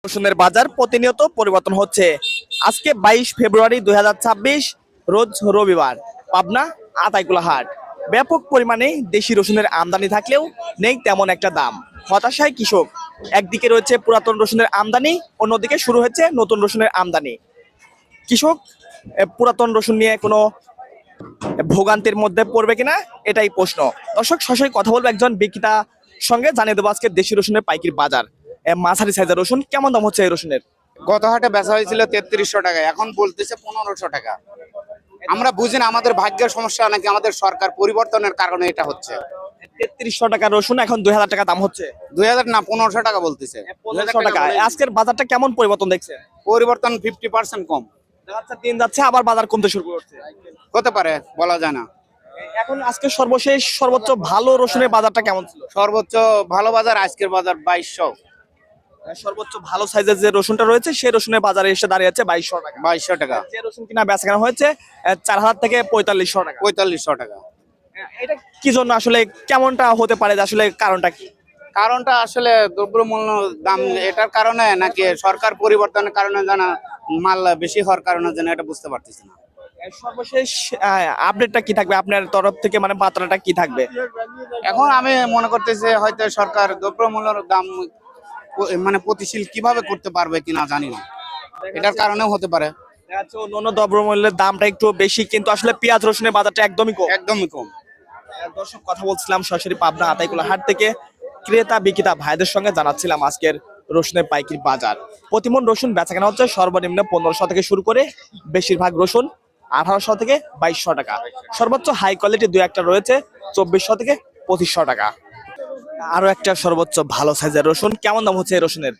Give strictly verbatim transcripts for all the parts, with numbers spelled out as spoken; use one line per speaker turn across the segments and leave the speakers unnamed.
রসুনের বাজার প্রতিনিয়ত পরিবর্তন হচ্ছে। আজকে বাইশ ফেব্রুয়ারি দুই হাজার ছাব্বিশ, রোজ রবিবার। পাবনা আতাইকুলা হাট। ব্যাপক পরিমাণে দেশি রসুনের আমদানি থাকলেও নেই তেমন একটা দাম। হতাশায় কৃষক। একদিকে রয়েছে পুরাতন রসুনের আমদানি, অন্যদিকে শুরু হচ্ছে নতুন রসুনের আমদানি। কৃষক এ, পুরাতন রসুন নিয়ে কোনো ভোগান্তির মধ্যে পড়বে কিনা এটাই প্রশ্ন। দর্শক, সরাসরি কথা বলবো একজন বিক্রেতা সঙ্গে, জানিয়ে দেবো আজকে দেশি রসুনের পাইকারি বাজার। এ, মাঝারি সাইজের রসুন কেমন দাম হচ্ছে এই রসুনের?
গত হাটে বেচা হয়েছিল তেত্রিশশো টাকা, এখন বলতেছে পনেরোশো টাকা। আমরা বুঝি না আমাদের ভাগ্যের সমস্যা নাকি আমাদের সরকার পরিবর্তনের কারণে এটা হচ্ছে।
তেত্রিশশো টাকা রসুন এখন দুই হাজার টাকা দাম হচ্ছে।
দুই হাজার না, পনেরোশো টাকা বলতেছে।
পনেরোশো টাকা। আজকের বাজারটা কেমন পরিবর্তন দেখছে?
পরিবর্তন ফিফটি পার্সেন্ট কম
দেখা যাচ্ছে দিন যাচ্ছে আবার বাজার কমতে শুরু করছে।
হতে পারে, বলা যায় না।
এখন আজকে সর্বশেষ সর্বোচ্চ ভালো রসুনের বাজারটা কেমন ছিল?
সর্বোচ্চ ভালো বাজার আজকের বাজার বাইশশো।
সর্বোচ্চ ভালো সাইজের যে রসুনটা রয়েছে সেই রসুনের বাজারে এসে দাঁড়িয়ে আছে বাইশশো টাকা।
বাইশশো টাকা।
যে রসুন কিনা বেচা কেনা হয়েছে আহ, চার হাজার থেকে পঁয়তাল্লিশশো টাকা।
পঁয়তাল্লিশশো টাকা।
এটা কি জন্য আসলে, কেমনটা হতে পারে, যে আসলে কারণটা কি?
কারণটা আসলে দ্রব্যমূল্য দাম এটার কারণে নাকি সরকার পরিবর্তনের কারণে জানা মাল বেশি হওয়ার কারণে যেন এটা বুঝতে পারতেছি না।
সর্বশেষ আপডেটটা কি থাকবে আপনার তরফ থেকে, মানে বার্তাটা কি থাকবে?
এখন আমি মনে করতেছি হয়তো সরকার দ্রব্যমূল্যের দাম প- মানে প্রতিশীল কিভাবে করতে পারবে কিনা জানি না, এটার কারণেও হতে পারে।
দেখা যাচ্ছে অন্যান্য দ্রব্যমূল্যের দামটা একটু বেশি, কিন্তু আসলে পেঁয়াজ রসুনের বাজারটা একদমই কম।
একদমই কম।
দর্শক, কথা বলছিলাম সরাসরি পাবনা আতাইকুলা হাট থেকে ক্রেতা বিক্রেতা ভাইদের সঙ্গে, জানাচ্ছিলাম আজকের রসুনের পাইকারি বাজার। প্রতিমন রসুন বেচা কেনা হচ্ছে সর্বনিম্ন পনেরোশো থেকে শুরু করে বেশিরভাগ রসুন আঠারোশো থেকে বাইশশো টাকা। সর্বোচ্চ হাই কোয়ালিটি দু একটা রয়েছে চব্বিশশো থেকে পঁচিশশো টাকা। আরো একটা সর্বোচ্চ ভালো সাইজের রসুন কেমন দাম হচ্ছে এই রসুনের?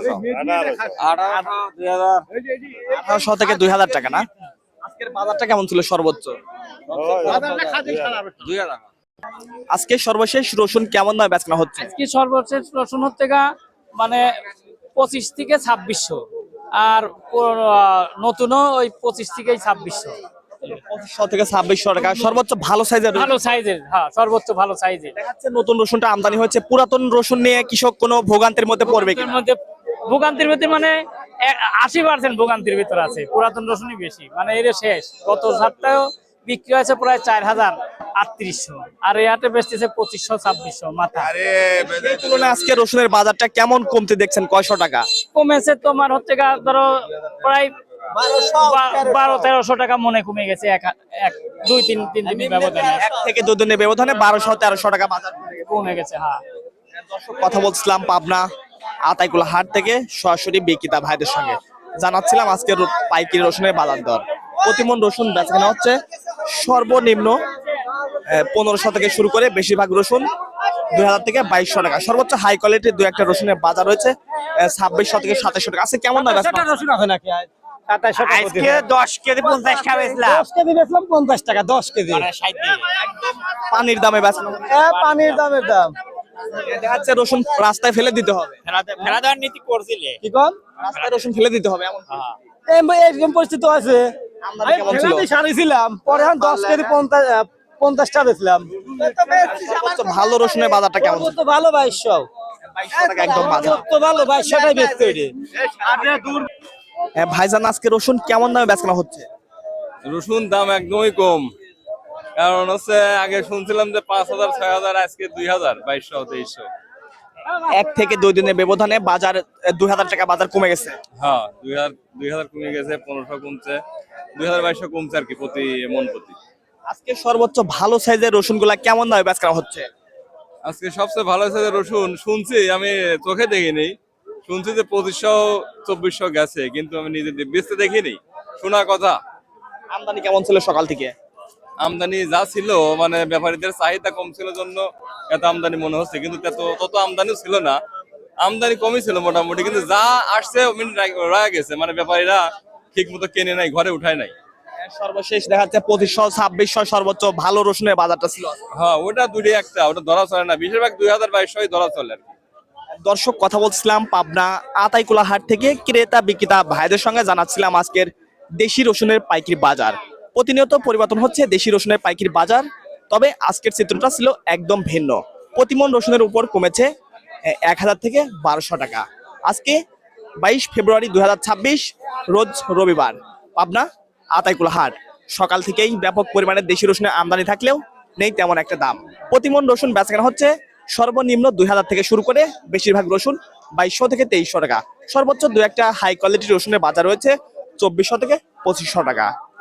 আঠারোশো থেকে দুই হাজার টাকা না? আজকের বাজারটা কেমন ছিল সর্বোচ্চ? আজকে সর্বশেষ রসুন কেমন দামে বেচা কেনা হচ্ছে?
আজকে সর্বশেষ রসুন হচ্ছে গা মানে পঁচিশ থেকে ছাব্বিশশো, আর পুরো, আহ, নতুনও ওই পঁচিশ থেকে ছাব্বিশশো।
পঁচিশশো থেকে ছাব্বিশশো টাকা সর্বোচ্চ ভালো সাইজের।
ভালো সাইজের, হ্যাঁ সর্বোচ্চ ভালো সাইজের।
দেখা যাচ্ছে নতুন রসুনটা আমদানি হয়েছে, পুরাতন রসুন নিয়ে কৃষক কোনো ভোগান্তির মধ্যে পড়বে
এর
কিনা?
মধ্যে ভোগান্তির ভিতরে মানে আশি পার্সেন্ট ভোগান্তির ভিতর আছে, পুরাতন রসুনই বেশি, মানে এর শেষ। গত সপ্তাহেও বিক্রি হয়েছে প্রায় চার হাজার আটত্রিশশো, আর এই হাটে বেচতেছে পঁচিশশো ছাব্বিশশো মাথা।
সেই তুলনায় আজকে রসুনের বাজারটা কেমন কমতে দেখছেন? কয়শো টাকা
কমেছে তোমার হচ্ছে গা ধরো প্রায় বা- বারো তেরোশো টাকা মনে কমে গেছে, এক এক দুই তিন তিন দিনের ব্যবধানে
এক থেকে দু দিনের ব্যবধানে বারোশো তেরোশো টাকা বাজার কমে গেছে।
কমে গেছে। হ্যাঁ,
দর্শক, কথা বলছিলাম পাবনা আতাইকুলা হাট থেকে সরাসরি বিক্রেতা ভাইদের সঙ্গে, জানাচ্ছিলাম আজকের পাইকারি রসুনের বাজার দর। প্রতিমন রসুন বেচা কেনা হচ্ছে সর্বনিম্ন পনেরোশো থেকে শুরু করে বেশিরভাগ রসুন দুই হাজার থেকে বাইশশো টাকা। সর্বোচ্চ হাই কোয়ালিটির দু একটা রসুনের বাজার রয়েছে ছাব্বিশশো থেকে সাতাশশো টাকা। আছে কেমন দাম?
রসুন আছে নাকি?
আজকে দশ কেজি পঞ্চাশ টাকা বেচলাম।
দশ কেজি বেচলাম পঞ্চাশ টাকা, দশ কেজি
পানির দামে বেচা
পানির দামের দাম।
দেখা যাচ্ছে রসুন রাস্তায় ফেলে দিতে হবে।
ফেলা দেওয়ার নীতি করছিলে।
কি কম
রাস্তায় রসুন ফেলে দিতে হবে এমন।
এরকম পরিস্থিতি আছে।
আমদানি কেমন ছিল?
সারিছিলাম পরে এখন দশ কেজি পঞ্চাশ পঞ্চাশটা বেচলাম।
সর্বোচ্চ ভালো রসুনের বাজারটা কেমন ছিল?
তো ভালো বাইশশো,
বাইশশো টাকা একদম বাজার।
তো ভালো বাইশশোটাই বেচতে ওইটা।
হ্যাঁ, ভাইজান আজকে রসুন কেমন দামে বেচা কেনা হচ্ছে?
রসুন দাম একদমই কম, কারণ হচ্ছে আগে শুনছিলাম যে পাঁচ হাজার ছয় হাজার, আজকে দুই হাজার বাইশশো তেইশশো।
এক থেকে দুই দিনের ব্যবধানে বাজার দুই হাজার টাকা বাজার কমে গেছে।
হ্যাঁ, দুই হাজার দুই হাজার কমে গেছে, পনেরোশো কমছে, দুই হাজার বাইশশো কমছে আর কি প্রতি মন প্রতি।
আজকে সর্বোচ্চ ভালো সাইজের রসুন গুলা কেমন দামে বেচা কেনা হচ্ছে?
আজকে সবচেয়ে ভালো হয়েছে যে রসুন শুনছি, আমি চোখে দেখিনি, শুনছি যে পঁচিশশো চব্বিশশো গেছে, কিন্তু আমি নিজে বেচতে দেখিনি, শোনা কথা।
আমদানি কেমন ছিল সকাল থেকে?
আমদানি যা ছিল, মানে ব্যাপারীদের চাহিদা কম ছিল জন্য এত আমদানি মনে হচ্ছে, কিন্তু তত তত আমদানিও ছিল না, আমদানি কমই ছিল মোটামুটি, কিন্তু যা আসছে রয়ে গেছে, মানে ব্যাপারীরা ঠিক মতো কেনে নাই, ঘরে উঠায় নাই।
সর্বশেষ দেখা যাচ্ছে পঁচিশশো ছাব্বিশশো সর্বোচ্চ ভালো রসুনের বাজারটা ছিল।
হ্যাঁ, ওটা দুটি একটা, ওটা ধরা চলে না, বেশিরভাগ দুই হাজার বাইশশো ধরা চলে আর কি।
দর্শক, কথা বলছিলাম পাবনা আতাইকুলা হাট থেকে ক্রেতা বিক্রেতা ভাইদের সঙ্গে, জানাচ্ছিলাম আজকের দেশি রসুনের পাইকারি বাজার। প্রতিনিয়ত পরিবর্তন হচ্ছে দেশি রসুনের পাইকারি বাজার, তবে আজকের চিত্রটা ছিল একদম ভিন্ন। প্রতিমন রসুনের উপর কমেছে এক হাজার থেকে বারোশো টাকা। আজকে বাইশ ফেব্রুয়ারি দুই হাজার ছাব্বিশ রোজ রবিবার, পাবনা আতাইকুলা হাট। সকাল থেকেই ব্যাপক পরিমাণে দেশি রসুনের আমদানি থাকলেও নেই তেমন একটা দাম। প্রতিমন রসুন বেচাকেনা হচ্ছে সর্বনিম্ন দুই হাজার থেকে শুরু করে বেশিরভাগ রসুন বাইশশো থেকে তেইশশো টাকা। সর্বোচ্চ দু একটা হাই কোয়ালিটির রসুনের বাজার রয়েছে চব্বিশশো থেকে পঁচিশশো টাকা।